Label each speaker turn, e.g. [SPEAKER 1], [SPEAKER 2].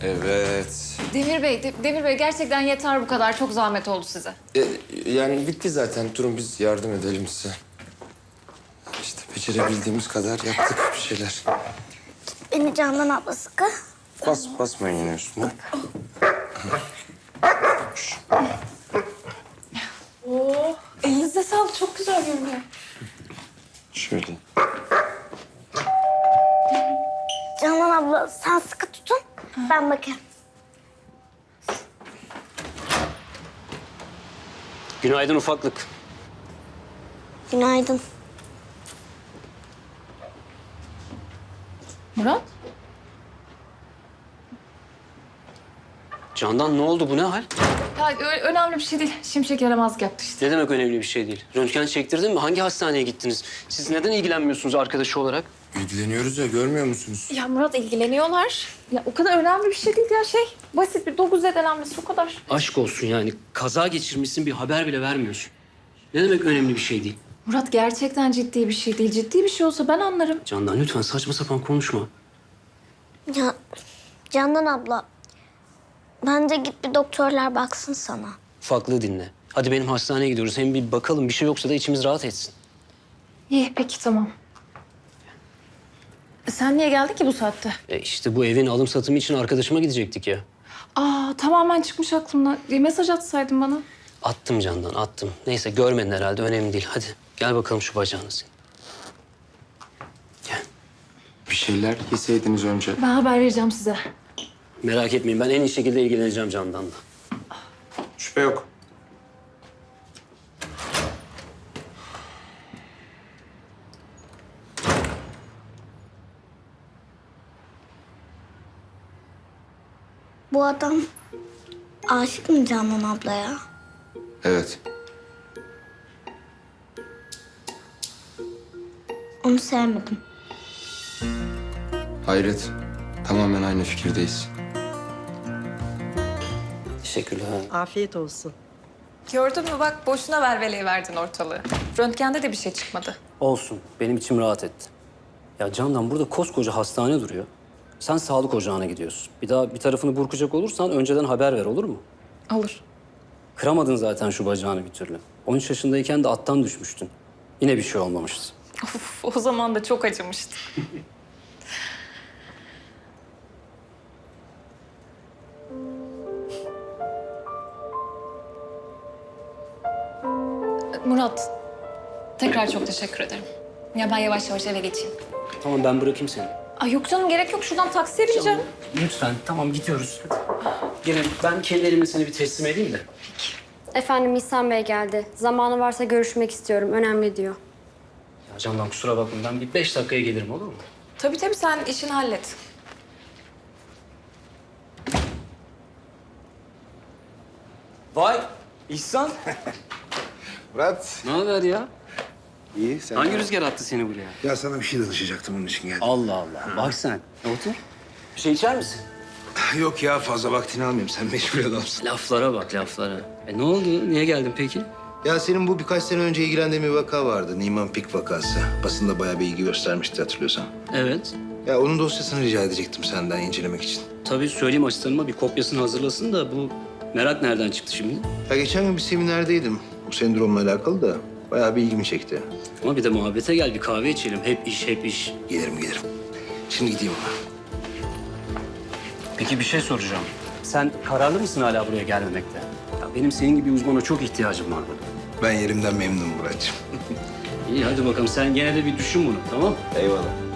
[SPEAKER 1] Evet.
[SPEAKER 2] Demir Bey gerçekten yeter bu kadar. Çok zahmet oldu size.
[SPEAKER 1] Yani bitti zaten. Durun biz yardım edelim size. İşte becerebildiğimiz kadar yaptık bir şeyler.
[SPEAKER 3] Beni Candan abla sıkı.
[SPEAKER 1] Basmayın yine üstüne.
[SPEAKER 2] Oo, elinize sağlık. Çok güzel görünüyor.
[SPEAKER 1] Şöyle.
[SPEAKER 3] Candan abla sen sıkı tutun. Ben bakayım.
[SPEAKER 4] Günaydın ufaklık.
[SPEAKER 3] Günaydın.
[SPEAKER 2] Murat?
[SPEAKER 4] Candan ne oldu, bu ne hal?
[SPEAKER 2] Ya önemli bir şey değil. Şimşek yaramazlık yaptı işte.
[SPEAKER 4] Ne demek önemli bir şey değil? Röntgen çektirdin mi? Hangi hastaneye gittiniz? Siz neden ilgilenmiyorsunuz arkadaşı olarak?
[SPEAKER 1] İlgileniyoruz ya, görmüyor musunuz?
[SPEAKER 2] Ya Murat ilgileniyorlar. Ya o kadar önemli bir şey değil ya Basit bir dokuz zedelenmesi o kadar.
[SPEAKER 4] Aşk olsun yani. Kaza geçirmişsin, bir haber bile vermiyorsun. Ne demek önemli bir şey değil?
[SPEAKER 2] Murat gerçekten ciddi bir şey değil. Ciddi bir şey olsa ben anlarım.
[SPEAKER 4] Candan lütfen saçma sapan konuşma.
[SPEAKER 3] Ya Candan abla bence git bir doktorlar baksın sana.
[SPEAKER 4] Ufaklığı dinle. Hadi benim hastaneye gidiyoruz. Hem bir bakalım, bir şey yoksa da içimiz rahat etsin.
[SPEAKER 2] İyi peki tamam. Sen niye geldin ki bu saatte?
[SPEAKER 4] İşte bu evin alım satımı için arkadaşıma gidecektik ya.
[SPEAKER 2] Aa tamamen çıkmış aklımdan. Mesaj atsaydın bana.
[SPEAKER 4] Attım Candan, attım. Neyse görmedin herhalde, önemli değil. Hadi gel bakalım şu bacağını senin. Gel.
[SPEAKER 1] Bir şeyler yeseydiniz önce.
[SPEAKER 2] Ben haber vereceğim size.
[SPEAKER 4] Merak etmeyin, ben en iyi şekilde ilgileneceğim Candan'la.
[SPEAKER 1] Şüphe yok.
[SPEAKER 3] Bu adam aşık mı Candan ablaya?
[SPEAKER 1] Evet.
[SPEAKER 3] Onu sevmedim.
[SPEAKER 1] Hayret. Tamamen aynı fikirdeyiz.
[SPEAKER 4] Teşekkürler.
[SPEAKER 5] Afiyet olsun.
[SPEAKER 2] Gördün mü bak boşuna verveleye verdin ortalığı. Röntgende de bir şey çıkmadı.
[SPEAKER 4] Olsun, benim içim rahat etti. Ya Candan, burada koskoca hastane duruyor. Sen sağlık ocağına gidiyorsun. Bir daha bir tarafını burkacak olursan önceden haber ver, olur mu?
[SPEAKER 2] Olur.
[SPEAKER 4] Kıramadın zaten şu bacağını bir türlü. 13 yaşındayken de attan düşmüştün. Yine bir şey olmamıştı.
[SPEAKER 2] Of, o zaman da çok acımıştı. Murat, tekrar çok teşekkür ederim. Ya ben yavaş yavaş eve geçeyim.
[SPEAKER 4] Tamam, ben bırakayım seni.
[SPEAKER 2] Ay yok canım gerek yok. Şuradan taksiye bineceğim.
[SPEAKER 4] Lütfen, tamam gidiyoruz. Gelin, ben kendi elimle seni bir teslim edeyim de.
[SPEAKER 6] Efendim İhsan Bey geldi. Zamanı varsa görüşmek istiyorum. Önemli diyor.
[SPEAKER 4] Ya Candan kusura bakma, ben bir 5 dakikaya gelirim, olur mu?
[SPEAKER 2] Tabii sen işini hallet.
[SPEAKER 4] Vay, İhsan.
[SPEAKER 7] Murat.
[SPEAKER 4] Ne haber ya?
[SPEAKER 7] İyi sen.
[SPEAKER 4] Hangi rüzgar attı seni buraya?
[SPEAKER 7] Ya sana bir şey danışacaktım onun için geldim.
[SPEAKER 4] Allah Allah, bak sen. Otur. Bir şey içer misin?
[SPEAKER 7] Yok ya fazla vaktini almayayım. Sen meşgul adamsın.
[SPEAKER 4] Laflara bak, laflara. Ne oldu? Niye geldin peki?
[SPEAKER 7] Ya senin bu birkaç sene önce ilgilendiğin bir vaka vardı. Niemann Pick vakası. Basında bayağı bir ilgi göstermişti hatırlıyorsan.
[SPEAKER 4] Evet.
[SPEAKER 7] Ya onun dosyasını rica edecektim senden incelemek için.
[SPEAKER 4] Tabii söyleyeyim asistanıma bir kopyasını hazırlasın da bu merak nereden çıktı şimdi?
[SPEAKER 7] Ya geçen gün bir seminerdeydim. Bu sendromla alakalı da bayağı bir ilgimi çekti.
[SPEAKER 4] Ama bir de muhabbete gel, bir kahve içelim. Hep iş, hep iş.
[SPEAKER 7] Gelirim. Şimdi gideyim ona.
[SPEAKER 4] Peki bir şey soracağım. Sen kararlı mısın hala buraya gelmemekte? Ya benim senin gibi bir uzmana çok ihtiyacım var burada.
[SPEAKER 7] Ben yerimden memnunum Muratcığım.
[SPEAKER 4] İyi hadi bakalım, sen gene de bir düşün bunu, tamam?
[SPEAKER 7] Eyvallah.